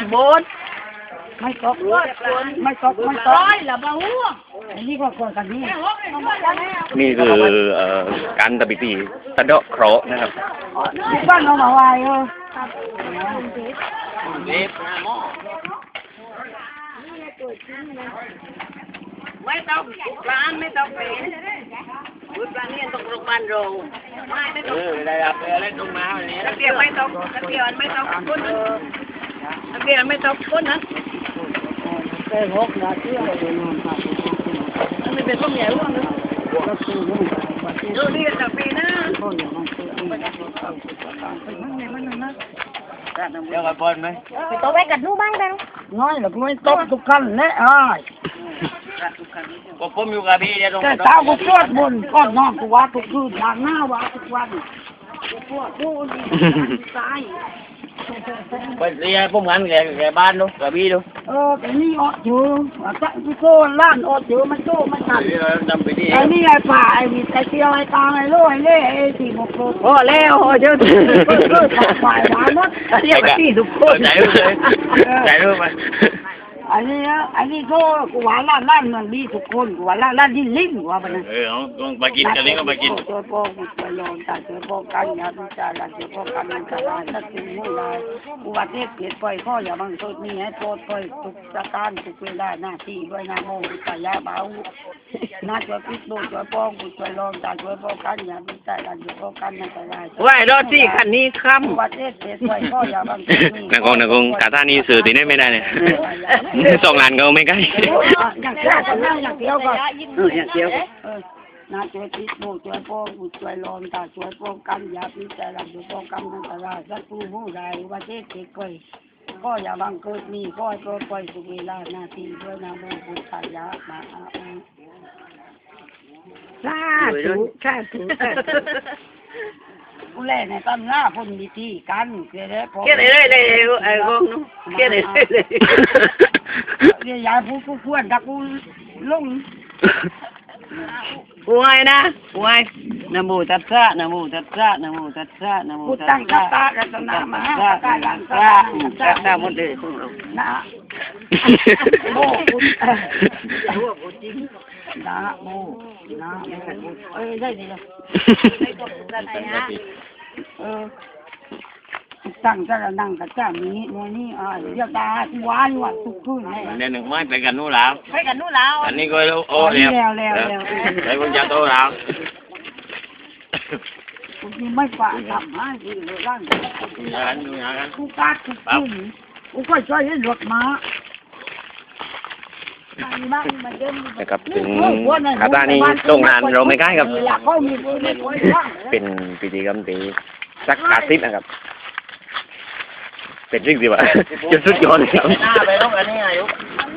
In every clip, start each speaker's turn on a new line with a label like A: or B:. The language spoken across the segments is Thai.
A: โบนไม่ตกไม่ตกไม่ตกละบ้าหัวอันนี้ก็คนกันนี่
B: นี่คือการทำพิธีสะเดาะเคราะห์นะครับ
A: บ้านเรามาไหวไม่ต้องร้านไม่ต้องเป็นวุ้นร้านนี้ต้องโรงพยาบาลโรงไม่ต้อง
B: ได้ครับเล่นตรงมาวันนี้
A: ตะเกียบไม่ต้องตะเกียบไม่ต้องก้นตะเกียบไม่ต้องก้นนะได้หกนาทีเลยมันไม่เป็นต้มใหญ่ร่วงเลยดูดีแต่ปีนะ
B: เดี๋ยวกับบอลไหม
A: ไปโต๊ะไปกันดูบ้างได้น้อยหรือไม่โต๊ะทุกขั้นเลยอ้าย
B: ก็ผมอยู่กับพี่เดี๋ยวตรง
A: แต่เช้ากูชวดบนก้อนนอนกูว่าทุกคืนหน้าว่าทุกวันกูปวดกูดีตาย
B: ไปเรียนพวกมันแกบ้านดูกับพี่ดู
A: แต่นี่อดอยู่จะกูโซ่ล้านอดอยู่มันโซ่มันทันไอ้นี่ไอ้ป่าไอ้วิไอ้เตียวไอ้ตาไอ้โล่ไอ้เล่ไอ้สี่หกโลโอ้แล้วเยอะฝ่ายหวานหมดเรียกว่าที่ทุกคน
B: ใจรู้ไหม
A: อันนี้ก็กูว่าล้านมันดีทุกคนกูว่าล้านลิ้นกูว่าไปนะ
B: ต้องไปกินกันเลยก็ไปกิน
A: เจอพ่อกูไปลองแต่เจอพ่อกันอย่าดูใจละเจอพ่อกันมันจะได้ถ้ากินไม่ได้กูว่าเทพเกลียดปล่อยข้ออย่าบังคับนี่ให้โทษปล่อยทุกสถานทุกเวลาหน้าที่ด้วยนะโมตายาเบาน่าจะพิจารณาพ่อกูไปลองแต่เจอพ่อกันอย่าดูใจละเจอพ่อกันมันจะได้
C: ว่ายรถที่คันนี้ค่ำ
A: กูว่าเทพเกลียดปล่อยข้ออย่าบังคับนี่
B: นักกงกาตานี่สื่อตีได้ไม่ได้เนี่ยส่งงานเขาไม่ใกล้
A: อย่างเดียวก็อย่างเดียวก็อย่างเดียวน่าช่วยพิจช่วยพ่อกูช่วยลองแต่ช่วยป้องกันอย่าพิจารณาช่วยป้องกันมันจะได้สักผู้ผู้ใดว่าเทพเกลียดปล่อยก็อย่าบังเกิดมีก็ให้ปล่อยสุเวลาหน้าที่ด้วยนะโมกุศลยะมาสาธุผู้เล่นในตำราคนมีที่กันเกี่ยได้พอ
C: เกี่ยได้เลยไอ้กงนู้เกี่ยได้เลย
A: เกี่ยยายผู้ควรดักผู้ลง
C: ป่วยนะป่วยนะโมตัสสะนะโมตัสสะนะโมตัสสะนะโมตัสสะ
A: ตั้งกัตตากัตนามา
C: ตาลังตาตาหมดเลยพวกเรา
A: นะโมพุทธนะโมนะโมได้ดีเลยตั้งจะนั่งกับเจ้านี้โมนี่เรียกตาที่ว้านว่าทุกคืน
B: เดี๋ยวหนึ่งไม่ไปกันนู่นแล้ว
A: ไปกันนู่นแล้ว
B: อันนี้ก็โอ้แล้วไปคนจะโตแล้ว
A: นี่ไม่ฝากทำให้ดีเลยร่าง
B: กัน
A: กูกัดทุกคืนกูก็ช่วยให้รถม้า
B: นะครับถึงคาตานี่โรงงานเราไม่ใกล้ครับเป็นพิธีกรรมที่สักการสิบนะครับเป็นจริงสิวะจะสุดยอดเลยครับ
C: ไปต้องอันนี้อายุ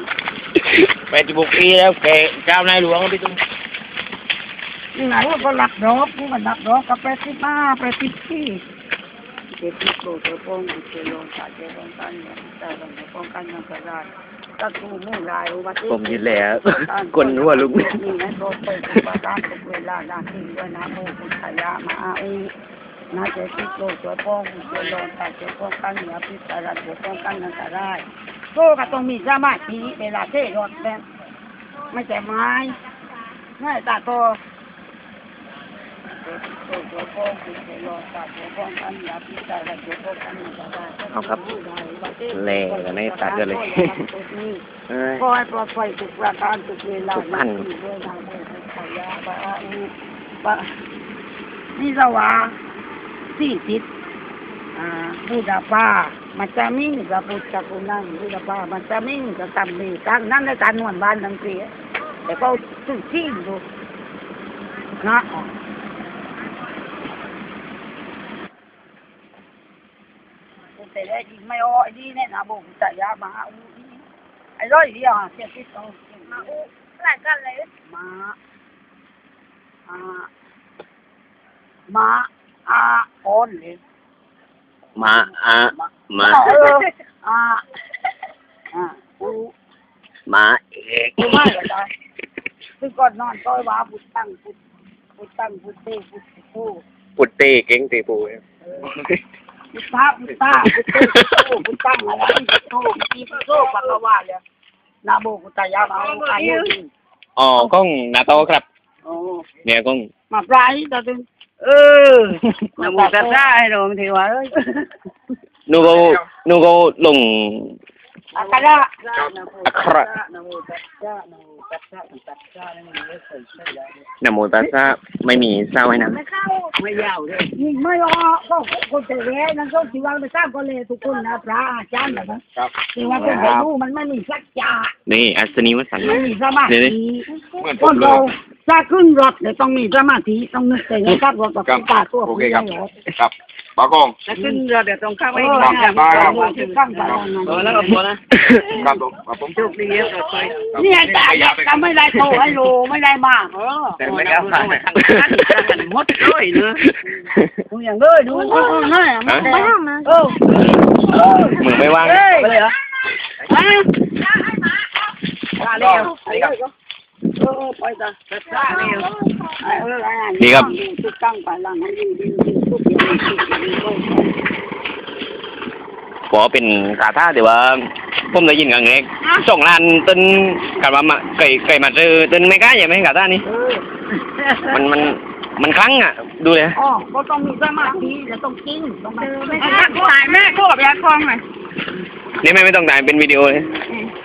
B: 86 ปีแล้วแกเจ้านายหลวงพี่ตุ้ม
A: นี่ไงว่าก็หลับดอกกูก็หลับดอกกับ80 ปีเด็กโตจะป้องกูจะลงตาจะลงกันแต่ลงจะป้องกันมันก็ได้ถ้ากูมุ่งลายว่า
B: ผมยินแล้วคนหัวลุก
A: นี่นะโตไปประการทุกเวลาหน้าที่ด้วยนะโมกุศลยะมาน่าจะติดโลกตัวป้องตัวลองแต่ตัวป้องกันอย่าพิจารณาตัวป้องกันนั่นก็ได้โซ่ก็ต้องมีสมาธิเวลาเทรถแบบไม่ใช่ไม้ง่ายตาโตตัวป้องตัวลองแต่ตัวป้องกันอย่าพิจารณาตัวป้องกันนั่นก็ได้
B: เอาครับเล่กันในตัดกันเลย
A: ก็ให้ปลอดภัยทุกประการทุกเวลาด้วยนะโมกุศลยะนี่สว่า40บูดาป้ามันจะมิ่งกับพุทธคุณนั่งบูดาป้ามันจะมิ่งกับตำมีตั้งนั่นในการนวลบ้านทั้งปีแต่ก็สุดที่ดูนะแต่ได้ดีไม่อ้อยดีเนี่ยนะบุกจ่ายยามาไอ้ร้อยเดียวเสียที่ต้องมาหลายกันเลยมาโอนเลย
B: มามาเอก
A: มาเลยคือก่อนนอนต้อยว่าพุทธังพุทเตพุทโธ
B: พุทเตเก่งเตปู
A: พุทธะพุทธะพุทธะอะไรพุทโธมีพุทโธปักวาเลยนาโมพุทธายามาอายุ
B: อ๋อกล้องหน้าโตครับ
A: โอ้
B: เนี่ยกล้อง
A: มาปลายตาตึง
C: นะโมตัสสะให้เราไม่ถือว่าเอ้ย
B: นูก็ลง
A: อักขระ
B: อักขระ
A: นะโมตัสสะนะโมตัสสะตัสสะนี่มันไม่เคยใช่แล้ว
B: นะโมตัสสะไม่มีเศร้าให้นะ
C: ไม่ยาวเลย
A: นี่ไม่รอก็คนแต่แรกนั่นก็ที่ว่าไปสร้างก็เลยทุกคนนะพระอาจารย์แบบนั้นที่ว่าคนแต่รู้มันไม่มีสัจจะ
B: นี่อัศนีวสันต์
A: ไม่มีสมา
B: เดี๋ยว
A: ธิ
B: นี้
A: คนเราถ้าขึ้นรถเนี่ยต้องมีสมาธิต้องนึกแต่ยังขับรถกับตาตัว
D: โอเคครับครับปากอง
C: ถ้าขึ้นเรือเดี๋ยวต้องเข้าไป
A: เออ
C: ดีนะ
A: ถึงข้างไป
C: แล้วก็พอนะ
D: ครับผม
C: โชคดีเยอะเลย
A: เนี่ยจะไม่ได้โตให้รู้ไม่ได้มาก
C: แต่ไม่ได้ทางนั้นหมดเลยเนอะ
A: ดูอย่างเลยดูนั่นมันไม่ทำนะ
B: มึงไม่ว่าง
C: ไปเลยเหรอ
A: มาเร็วไปจ้ะทุกตั้งไปหลังให้ดีทุกอย่าง
B: พอเป็นคาถาแต่ว่าผมได้ยินครั้งแรกส่งร้านต้นกันว่าไก่มาซื้อต้นไม่กล้าอย่าไหมคาถานี่มันครั้งอ่ะดูเลย
A: อ๋อก็ต้องมีสมาธิแล้วต้องกินต้องไม่
C: ตายแม่โคบยาคลองหน่อย
B: นี่ไม่ต้องถ่ายเป็นวิดีโอเลย
A: เ